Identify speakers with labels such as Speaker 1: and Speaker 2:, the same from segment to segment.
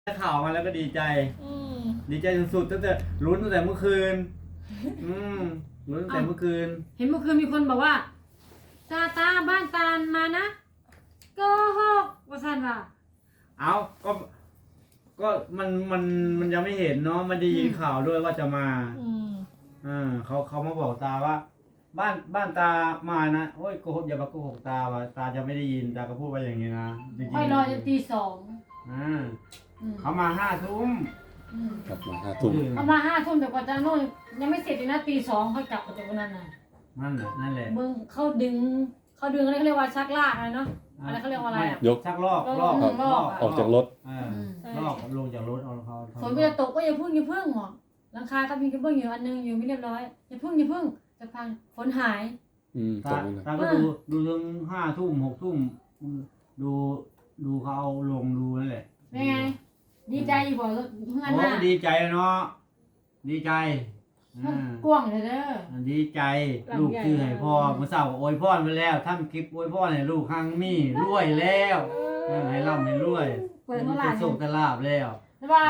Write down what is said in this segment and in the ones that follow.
Speaker 1: ข่าวมาแล้วก็ดีใจ
Speaker 2: อืม
Speaker 1: ดีใจสุดๆตั้งแต่ลุ้นตั้งแต่เมื่อคืน อืมลุ้นตั้งแต่เมื่อคืน
Speaker 3: เห็นเมื่อคืนมีคนบอกว่าตาบ้านตาลมานะโกหกว่าซั่นว่า
Speaker 1: เอาก็มันยังไม่เห็นเนาะมันได้ยินข่าวด้วยว่าจะมา
Speaker 2: อืม
Speaker 1: เขามาบอกตาว่า บ้านตามานะโอ้ยโกหกอย่ามาโกหกตาว่าตาจะไม่ได้ยินตาก็พูดไปอย่างนี้นะจริงๆ
Speaker 3: ค่อยรอจนตี 2
Speaker 1: เขามา5 ทุ่ม
Speaker 4: กลับมา5 ทุ่ม
Speaker 3: เขามา5 ทุ่มแต่กว่าจะนู่นยังไม่เสร็จเลยนะตี 2ค่อยกลับมาจากวันนั้นน่ะ
Speaker 1: นั่นแหละ
Speaker 3: เบิ่งเขาดึงอะไรเขาเรียกว่าชักลากอะไรเนาะอะไรเขาเรียกว่าอะไรอ่ะ
Speaker 4: ยก
Speaker 1: ชักลอก
Speaker 3: ลอก
Speaker 4: ออกจากรถ
Speaker 1: ลอกลงจากรถเอาเขา
Speaker 3: ฝนก็จะตกก็อย่าพึ่งหมอหลังคาก็มีกระเบื้องอยู่อันนึงอยู่ไม่เรียบร้อยอย่าพึ่งจะพังฝนหาย
Speaker 4: ต
Speaker 1: ตาก
Speaker 4: นี่นะ
Speaker 1: ตาก็ดูถึง5 ทุ่ม6 ทุ่มดูเขาเอาลงดูนั่นแหละ
Speaker 3: เป็นไงดีใจอยู่บ่เพื่อน
Speaker 1: โอ้
Speaker 3: น่ะ
Speaker 1: ดีใจเนาะดีใจ
Speaker 3: กว้างเลยเด้อ
Speaker 1: ดีใจลูกชื่อให้พ่อเมื่อเช้าก็อวยพรไปแล้วทำคลิปอวยพรให้ลูกครั้งมีรวยแล้วให้ร่ำให้รวย
Speaker 3: เปิดเมื่อไหร่
Speaker 1: จะส่งตลาบแล้ว
Speaker 3: แต่ว่า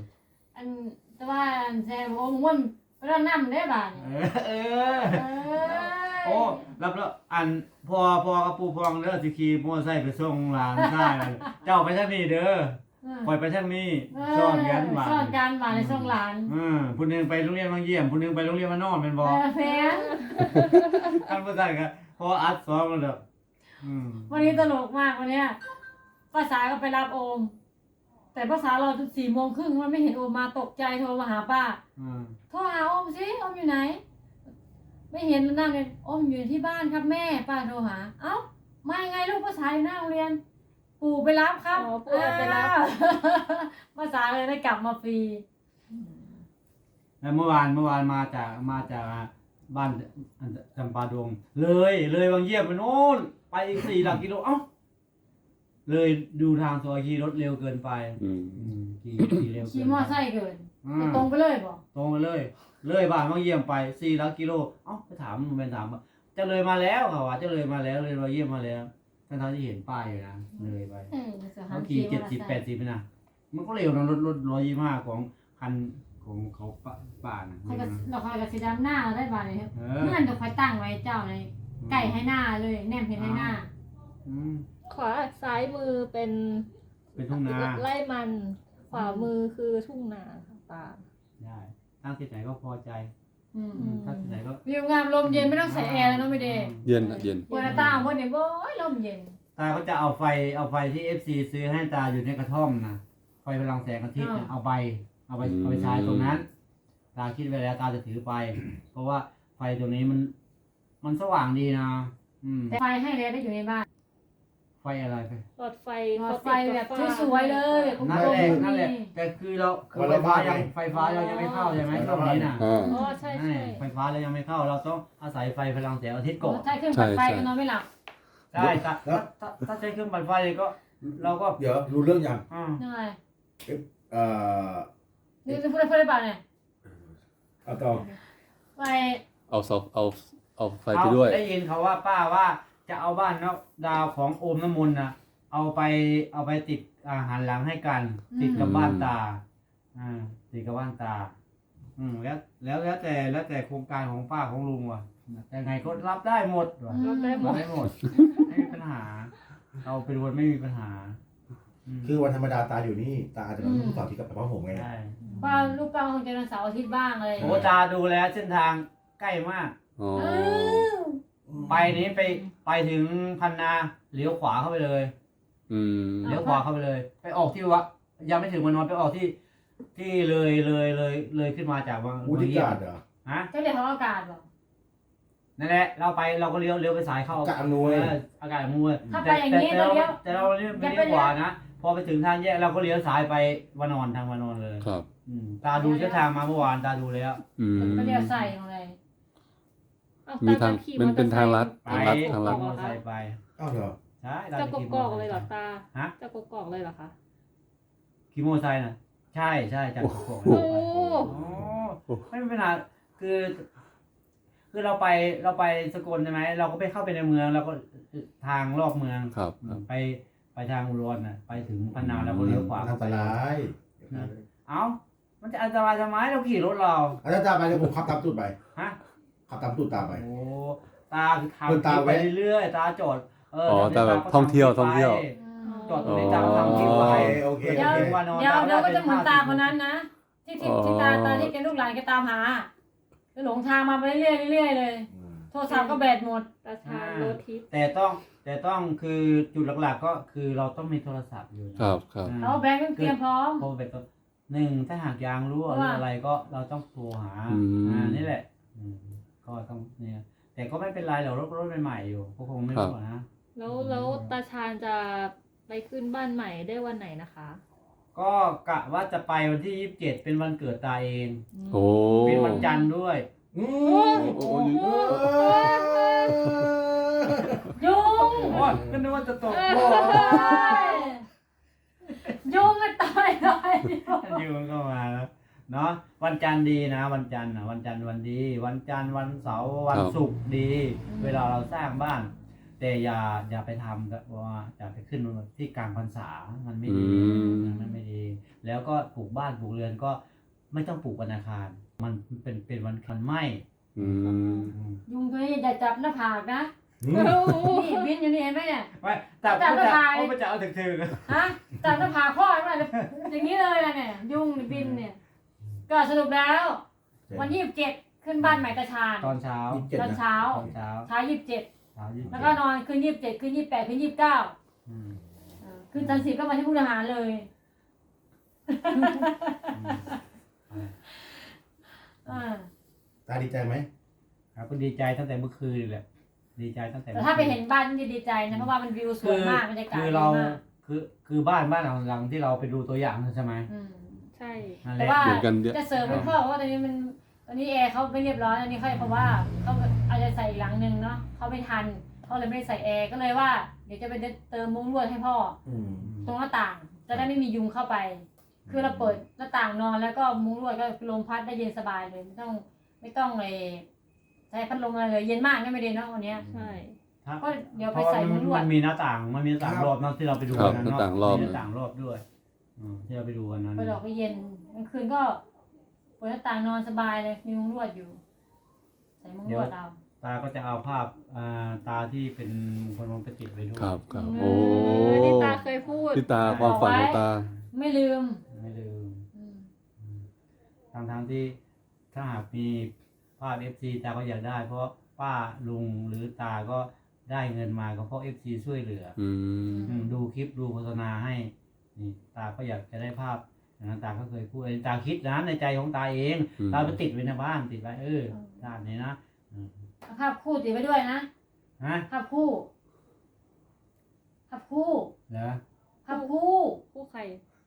Speaker 3: แซ่บ่ม่วนไปแล้วนำได้บาด
Speaker 1: เออโอ้รับแล้วพอกับปู่พองเด้อสิขี่มอเตอร์ไซค์ไปส่งหลานชายเจ้าไปทางนี้เด้อปล่อยไปทางนี้ซ่อนกันบาด
Speaker 3: ซ่อนกันบาดในส่งหลาน
Speaker 1: ผู้หนึงไปโรงเรียนบางเยี่ยมผู้หนึงไปโรงเรียนมานอนเป็นบ่
Speaker 3: แฟน
Speaker 1: ท่านผู้ชายก็พออัดซ้อมแล้วเด้อ
Speaker 3: วันนี้ตลกมากวันเนี้ยภาษาก็ไปรับโอม แต่ภาษารอจน4:30มันไม่เห็นโอมมาตกใจโทรมาหาป้าโทรหาโอมสิโอมอยู่ไหน ไม่เห็นนั่งเลยโอมอยู่ที่บ้านครับแม่ป้าโทรหาเอ้ามายังไงลูกภาษาอยู่หน้าโรงเรียน ปู่ไปรับครับ
Speaker 2: อ๋อปู่ไปรับ
Speaker 3: ภาษาเลยได้กลับมาฟรี
Speaker 1: แล้วเมื่อวานมาจากบ้านจำปาดงเลยบางเยี่ยมไปโน่นไปอีก4 หลักกิโลเอ้าเลยดูทางซอยขี่รถเร็วเกินไปขี่เร็วเกิน
Speaker 3: ขี่มอไซค์เกิน
Speaker 1: อื
Speaker 3: จะ
Speaker 1: ม
Speaker 3: ตรงไปเลยบ่
Speaker 1: ตรงไปเลยบ้านบางเยี่ยมไป4 หลักกิโลเอ้าไปถามมันเป็นถามว่าจะเลยมาแล้วเขาว่าจะเลยมาแล้วเลยบางเยี่ยมมาแล้วทั้งที่เห็นป้ายอยู่นะเลยไป เขาขี่70-80ไปนะมันก็เร็วนะรถ125ของคันของเขาป่านะ
Speaker 3: คอยกับดอกคอยกับสีดำหน้าได้บ่าเลยครับ
Speaker 1: เออ
Speaker 3: เพื่อนดอกคอยตั้งไว้เจ้าในไก่ให้หน้าเลยแนมเห็นให้หน้า
Speaker 1: อืม
Speaker 2: ขวาซ้ายมือเป็น
Speaker 1: เป็นทุ่งนา
Speaker 2: ไร่มัน ขวามือคือทุ่งนาค่ะตา
Speaker 1: ได้ตั้งที่ไหนก็พอใจ
Speaker 3: อืม
Speaker 1: ตั้งที่ไหนก็
Speaker 3: วิวงามลมเย็นไม่ต้องใส่แอร์แล้วเนาะไม่เด้
Speaker 4: เย็นอะเย็น
Speaker 3: เปิดหน้าต่างเพิ่นเนี่ยโอ้ยลมเย็น
Speaker 1: ตาก็จะเอาไฟที่ FC ซื้อให้ตาอยู่ในกระท่อมนะไฟพลังแสงอาทิตย์เนี่ยเอาไปใช้ตรงนั้น ตาคิดไว้แล้วตาจะถือไป เพราะว่าไฟตรงนี้มันสว่างดีนะ
Speaker 3: แต่ไฟให้เลยได้อยู่ในบ้าน
Speaker 1: ไฟอะไรไป
Speaker 2: หลอดไฟ
Speaker 3: หลอดไฟแบบสวยๆเลยกลม
Speaker 1: นั่นแหละ
Speaker 3: ๆ
Speaker 1: แต่คือไฟฟ้าเรายังไม่เข้าใช่ไหมช่วงนี้น่ะ
Speaker 4: อ่า
Speaker 2: อ๋อใช่ใช่
Speaker 1: ไฟฟ้าเรายังไม่เข้าเราต้องอาศัยไฟพลังแสงอาทิตย์ก่อน
Speaker 3: ใช่เครื่องปั่นไฟก็นอนไม่หลับ
Speaker 1: ใช่ถ้าใช้เครื่องปั่นไฟก็เราก็
Speaker 5: เดี๋ยวรู้เรื่องยัง
Speaker 3: ยังไง
Speaker 5: เอ่อ
Speaker 3: นี่จะพูดได้เปล่าเนี่ย
Speaker 5: เอาต่อ
Speaker 3: ไป
Speaker 4: เอาไฟไปด้วย
Speaker 1: ได้ยินเขาว่าป้าว่าจะเอาบ้านเนาะดาวของโอมน้ำมนต์นะเอาไปติดหันหลังให้กัน ติดกับบ้านตาติดกับบ้านตาแล้วแต่โครงการของป้าของลุงว่ะแต่ไงก็รับได้หมดว่ะ
Speaker 2: รับได้หมด
Speaker 1: ไม่มีปัญหาเราเป็นคนไม่มีปัญหา
Speaker 5: คือวันธรรมดาตาอยู่นี่ตาอาจจะมาลูกสาวที่กับพ่อผมไง
Speaker 1: ใช่
Speaker 3: ป้าลูกป้าคงจะวันเสาร์อาทิตย์บ้างอะไรอย่าง
Speaker 1: โอ้
Speaker 3: เงี้ย
Speaker 1: ตาดูแล้วเส้นทางใกล้มาก
Speaker 4: อ๋อ
Speaker 1: ไปนี้ไปถึงพันนาเลี้ยวขวาเข้าไปเลย เลี้ยวขวาเข้าไปเลย ไปออกที่วะยังไม่ถึงวันนอนไปออกที่เลยขึ้นมาจากวัง
Speaker 5: อุทิกาศเหรอ
Speaker 1: ฮะ
Speaker 3: เจ้าเรียกเขาอากาศเหรอ
Speaker 1: นั่นแหละเราก็เลี้ยวไปสายเข้า
Speaker 5: อากาศอำนวย
Speaker 1: อากาศอำนวย
Speaker 3: ถ้าไปอย่างนี้เราเลี้ยว
Speaker 1: แต่เราไม่เลี้ยวขวานะพอไปถึงทางแยกเราก็เลี้ยวซ้ายไปวานอนทางวานอนเลย
Speaker 4: ครับ
Speaker 1: ตาดูเส้นทางมาเมื่อวานตาดูแล้ว
Speaker 3: ไม่เรียกใส่ของอะไร
Speaker 2: เอ้
Speaker 4: มีทาง
Speaker 2: ขี่
Speaker 4: มันเป็นทางลัด
Speaker 1: ไป
Speaker 4: ทางลัด
Speaker 1: มอเตอร์ไซค์ไป
Speaker 5: อ้าวเหรอ
Speaker 1: ใช่
Speaker 2: จะกกอกเลยเหรอตา
Speaker 1: ฮะ
Speaker 2: จะกกอกเลยเหรอคะ
Speaker 1: ขี่มอเตอร์ไซค์นะใช่จากกกอก
Speaker 2: โอ้
Speaker 1: ไม่เป็นปัญหาคือเราไปสกลใช่ไหมเราก็ไปเข้าไปในเมืองเราก็ทางรอบเมือง
Speaker 4: ครับ
Speaker 1: ไปทางอุดรน่ะไปถึงพันนาเราก็เลี้ยวขวา
Speaker 5: อั
Speaker 1: เข้าน ไป
Speaker 5: ตราย
Speaker 1: เอ้ามันจะอันตรายทำไมเราขี่รถเรา
Speaker 5: อาจารย์ตามไปเดี๋ยวผมขับตามตูดไป
Speaker 1: ฮะ
Speaker 5: ขับตามตูดตามไป
Speaker 1: โอ้ตาคือทำ
Speaker 5: เดินตาม
Speaker 1: ไป
Speaker 5: ไว้
Speaker 1: เรื่อยๆตาจอด
Speaker 4: ตาแบบท่องเที่ยว
Speaker 1: จอดตรงนี้ตามทำคลิปไว้
Speaker 5: โอเค
Speaker 3: เดี๋ยว
Speaker 5: โอเค
Speaker 1: วันนอน
Speaker 3: เดี๋ยว
Speaker 1: ตาม
Speaker 3: เดี๋ยวก็
Speaker 1: ได้
Speaker 3: จะเหมือน
Speaker 1: ป็
Speaker 3: ตาคนนั้นนะที่ตาที่แกลูกหลานแกตามหาก็หลงทางมาไปเรื่อยๆเรื่อยๆเลย โทรศัพท์ก็แบตหมด
Speaker 2: ตาชาญโรถทิพย์
Speaker 1: แต่ต้องคือจุดหลักๆก็คือเราต้องมีโทรศัพท์อยู่นะครับ
Speaker 4: ครับ
Speaker 3: เอาแบงค์เตรียมพร้อม
Speaker 1: เพราะเป็นตัวหนึ่งถ้าหากยางรั่วหรืออะไรก็เราต้องโทรหานี่แหละก็ต้องเนี่ยแต่ก็ไม่เป็นไรหรอกรถใหม่ๆอยู่ก็คงไม่รั่วนะ
Speaker 2: แล้วตาชาญจะไปขึ้นบ้านใหม่ได้วันไหนนะคะ
Speaker 1: ก็กะว่าจะไปวันที่27เป็นวันเกิดตาเอง
Speaker 4: โอ้
Speaker 1: เป็นวันจันทร์ด้วย
Speaker 5: อืม
Speaker 4: โอ้
Speaker 3: ยุง
Speaker 1: โอ้ยก็นึกว่าจะตกบ่อ
Speaker 3: ยุงมันต่อยเลย
Speaker 1: อยู่ก็มาแล้วเนาะวันจันทร์ดีนะวันจันทร์นะวันจันทร์วันดี วันจันทร์วันเสาร์วันศุกร์ดี เวลาเราสร้างบ้าน แต่อย่าไปทำกับว่าอย่าไปขึ้นที่กลางพรรษามันไม่ดีมันไม่ดี แล้วก็ปลูกบ้านปลูกเรือนก็ไม่ต้องปลูกวันอังคารมันเป็นวันคันไหม
Speaker 3: ยุงตัวนี้อย่าจับหน้าผากนะ
Speaker 5: อืม
Speaker 3: นี่บินอยู่นี่เห็นไหมเนี่ย
Speaker 1: ไม่จับ
Speaker 3: จับ
Speaker 1: ก็
Speaker 3: กระ
Speaker 1: จะ
Speaker 3: ต่าย
Speaker 1: เอาไปจะเอาถึง
Speaker 3: ฮะจับหน้าผากพ่อมาอย่างนี้เลยนะเนี่ยยุงบินเนี่ย ก็สรุปแล้ว วัน27ขึ้นบ้านใหม่ตาชาญ
Speaker 1: ตอนเช้า
Speaker 3: ตอนเช้า
Speaker 1: ตอนเช้า
Speaker 3: เช้า27
Speaker 1: เช้า27
Speaker 3: แล้วก็นอนคืน27คืน28คืน29
Speaker 1: อืม
Speaker 3: คืนจันทร์10ก็มาที่มุกดาหารเลย
Speaker 5: ตาดีใจไหม
Speaker 1: ครับก็ดีใจตั้งแต่เมื่อคืนเลยแหละดีใจตั้งแต่
Speaker 3: แต่ถ้าไปเห็นบ้านนี่จะดีใจนะเพราะว่ามันวิวสวยมากบรรยากาศ
Speaker 1: คือ
Speaker 3: ดี
Speaker 1: เรา
Speaker 3: มาก
Speaker 1: คือบ้านหลังที่เราไปดูตัวอย่างนั่นใช่ไหม
Speaker 3: อืม
Speaker 2: ใช่
Speaker 1: นั่นแห
Speaker 3: แต่
Speaker 1: ละ
Speaker 3: ว่า
Speaker 4: เหมือนกันเยอะ
Speaker 3: จะเสริมให้พ่อเพราะว่าตอนนี้แอร์เขาไม่เรียบร้อยอันนี้เขาเพราะว่าเขาอาจจะใส่อีกหลังนึงเนาะเขาไม่ทันเขาเลยไม่ได้ใส่แอร์ก็เลยว่าเดี๋ยวจะไปเติมมุ้งลวดให้พ่อ
Speaker 5: อืม
Speaker 3: ตรงหน้าต่าง จะได้ไม่มียุงเข้าไป คือเราเปิดหน้าต่างนอนแล้วก็มุ้งลวดก็ลมพัดได้เย็นสบายเลยไม่ต้องเลยใช้พัดลมอะไรเลยเย็นมากนะไม่ได้เนาะวันเนี้ย
Speaker 2: ใช่
Speaker 3: ก็เดี๋ยว
Speaker 1: เพ
Speaker 3: ไป
Speaker 1: ราะว่า
Speaker 3: ใส่มุ้งลว
Speaker 1: มั
Speaker 3: ด
Speaker 1: นมีหน้าต่างรอบนั่นที่เราไปดู
Speaker 4: ครับ
Speaker 1: กัน
Speaker 4: หน้า
Speaker 1: เนาะ
Speaker 4: ต่างรอบ
Speaker 1: มีหน้าต่างรอบด้วยที่เราไปดูกันนั้น
Speaker 3: ไปหลอกไปเย็นกลางคืนก็เปิดหน้าต่างนอนสบายเลยมีมุ้งลวดอยู่ ใส่มุ้งลวดเอา
Speaker 1: ตาก็จะเอาภาพตาที่เป็นคนไปติดไว้ด้วย
Speaker 4: ครับครับ
Speaker 2: เอ
Speaker 4: โอ้
Speaker 2: อที่ตาเคยพูด
Speaker 4: ที่ตาความฝันของตา
Speaker 3: ไม่ลืม
Speaker 1: ไม่ลืม
Speaker 3: อืม
Speaker 1: ทั้งที่ถ้าหากมีภาพ FC ตาก็อยากได้ เพราะป้าลุงหรือตาก็ได้เงินมาก็เพราะ FC ช่วยเหลือ ดูคลิปดูโฆษณาให้นี่ตาก็อยากจะได้ภาพอย่างนั้นตาก็เคยพูดตาคิดนะในใจของตาเอง
Speaker 4: อืม
Speaker 1: ตาไปติดไว้ในบ้านติดไว้ด้านนี้นะ
Speaker 3: เอาภาพคู่ติดไว้ด้วยนะ
Speaker 1: ฮะ
Speaker 3: ภาพคู่ภาพคู่
Speaker 1: เหรอ
Speaker 3: ภาพคู่
Speaker 2: คู่ใคร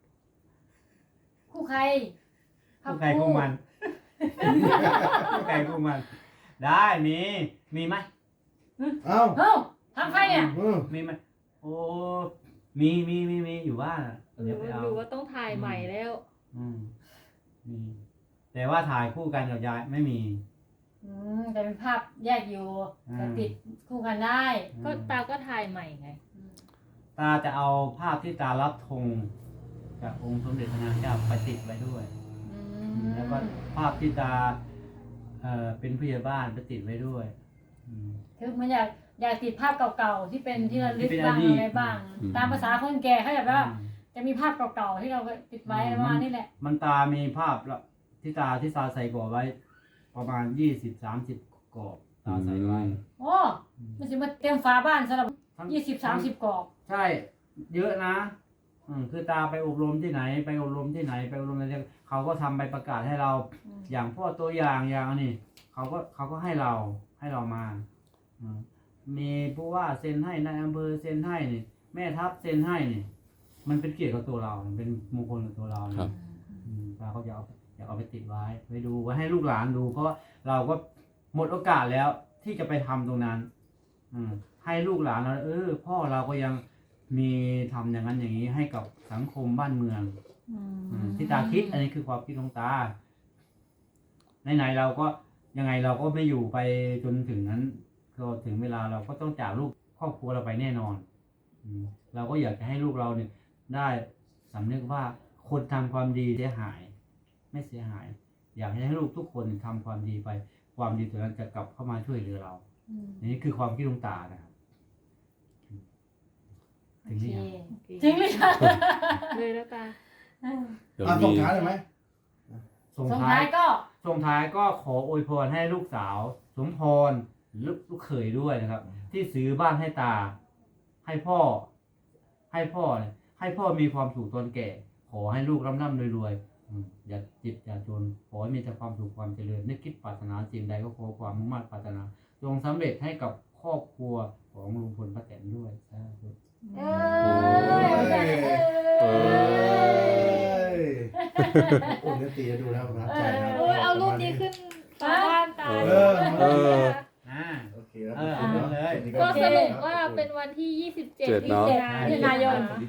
Speaker 3: คู่ใครภา
Speaker 1: คู่
Speaker 3: พ
Speaker 1: ใครคู่มันคู่ใครคู่มัน ได้มีไหม
Speaker 5: เอ้า
Speaker 3: เอ้าทำใครเนี่ย
Speaker 5: อืม
Speaker 1: มีไหมโอ้มีอยู่บ้านอะ
Speaker 2: หรื
Speaker 1: เดี๋ย
Speaker 2: อ
Speaker 1: วไป
Speaker 2: ว่า
Speaker 1: เอา
Speaker 2: หรือว่าต้องถ่ายใหม่แล้ว
Speaker 1: มีแต่ว่าถ่ายคู่กันกับยายไม่มี
Speaker 3: แต่เป็นภาพแยกอยู่
Speaker 1: อืม
Speaker 3: แต่ติดคู่กันได้
Speaker 2: ก็ตาก็ถ่ายใหม่ไง
Speaker 1: ตาจะเอาภาพที่ตารับธงจากองค์สมเด็จพระนางเจ้าไปติดไว้ด้วย แล้วก็ภาพที่ตาเป็นผู้ใหญ่บ้านไปติดไว้ด้วย
Speaker 3: คือมันอยากติดภาพเก่าๆที่เป็นที่ระลึก
Speaker 1: ที่เป็น
Speaker 3: บ้าง
Speaker 1: อดีต
Speaker 3: อะไรบ้าง
Speaker 4: อืม
Speaker 3: ตามภาษาคนแก่เขาแบบว่า จะมีภาพเก่าๆที่เราติดไว้
Speaker 1: อืม
Speaker 3: ประมาณนี้แหละ
Speaker 1: มันตามีภาพละที่ตาใส่กรอบไว้ ประมาณ20-30กรอบตาใส่ไว้
Speaker 3: โอ้มันจะมาเต็มฝาบ้านสำหรับ
Speaker 1: ทั้ง
Speaker 3: 20-30กรอบ
Speaker 1: ใช่เยอะนะคือตาไปอบรมที่ไหนไปอบรมที่ไหนไปอบรมอะไรเขาก็ทำใบประกาศให้เรา อย่างพวกตัวอย่างอย่างนี้เขาก็ให้เรามามีผู้ว่าเซ็นให้นายอำเภอเซ็นให้นี่แม่ทัพเซ็นให้นี่ มันเป็นเกียรติกับตัวเราเป็นมงคลกับตัวเรา
Speaker 4: ครับ
Speaker 1: ตาเขาจะเอาไปติดไว้ไว้ดูไว้ให้ลูกหลานดู เพราะว่าเราก็หมดโอกาสแล้วที่จะไปทำตรงนั้น ให้ลูกหลานเราพ่อเราก็ยังมีทำอย่างนั้นอย่างนี้ให้กับสังคมบ้านเมืองที่ตาคิดอันนี้คือความคิดของตาไหนๆเราก็ยังไงเราก็ไม่อยู่ไปจนถึงนั้นก็ถึงเวลาเราก็ต้องจากลูกครอบครัวเราไปแน่นอนเราก็อยากจะให้ลูกเราเนี่ยได้สำนึกว่าคคนทำความดีเสียหาย ไม่เสียหาย อยากให้ลูกทุกคนทำความดีไป ความดีตัวนั้นจะกลับเข้ามาช่วยเหลือเรา นี่คือความคิดลุงตานะครับถึงนี่ยัง
Speaker 3: จริงเลยค่ะ
Speaker 2: เลยแล้วตา
Speaker 4: เดี๋ยว
Speaker 5: ส่
Speaker 4: มี
Speaker 5: งท้ายเลยไหม
Speaker 1: ส่ง
Speaker 3: ส่ง
Speaker 1: ท้า
Speaker 3: ท้าย ยก็
Speaker 1: ส่งท้ายก็ขออวยพรให้ลูกสาว สมพรลูกเขยด้วยนะครับ ที่ซื้อบ้านให้ตา ให้พ่อเนี่ยให้พ่อมีความสุขตอนแก่ ขอให้ลูกร่ำรวยอย่าจิตอย่าจน ขอให้มีแต่ความสุขความเจริญนึกคิดปรารถนาสิ่งใดก็ขอความมุ่งมั่นปรารถนาจงสำเร็จให้กับครอบครัวของลุงพลป้าแตนด้วยสาธุ
Speaker 3: เอ
Speaker 4: เอ
Speaker 5: โอ้เดี๋ยวตีจะดูแล้วประทับใจนะ
Speaker 2: โอ้ยเอารูปนี้ขึ้นฝาบ้านตา
Speaker 5: เออ
Speaker 4: เออ
Speaker 5: โอเคแล้ว
Speaker 1: เอาเลย
Speaker 2: ก็สรุปว่าเป็นวันที่ 27
Speaker 4: เจ็ดเนอะ
Speaker 3: มิถุนายน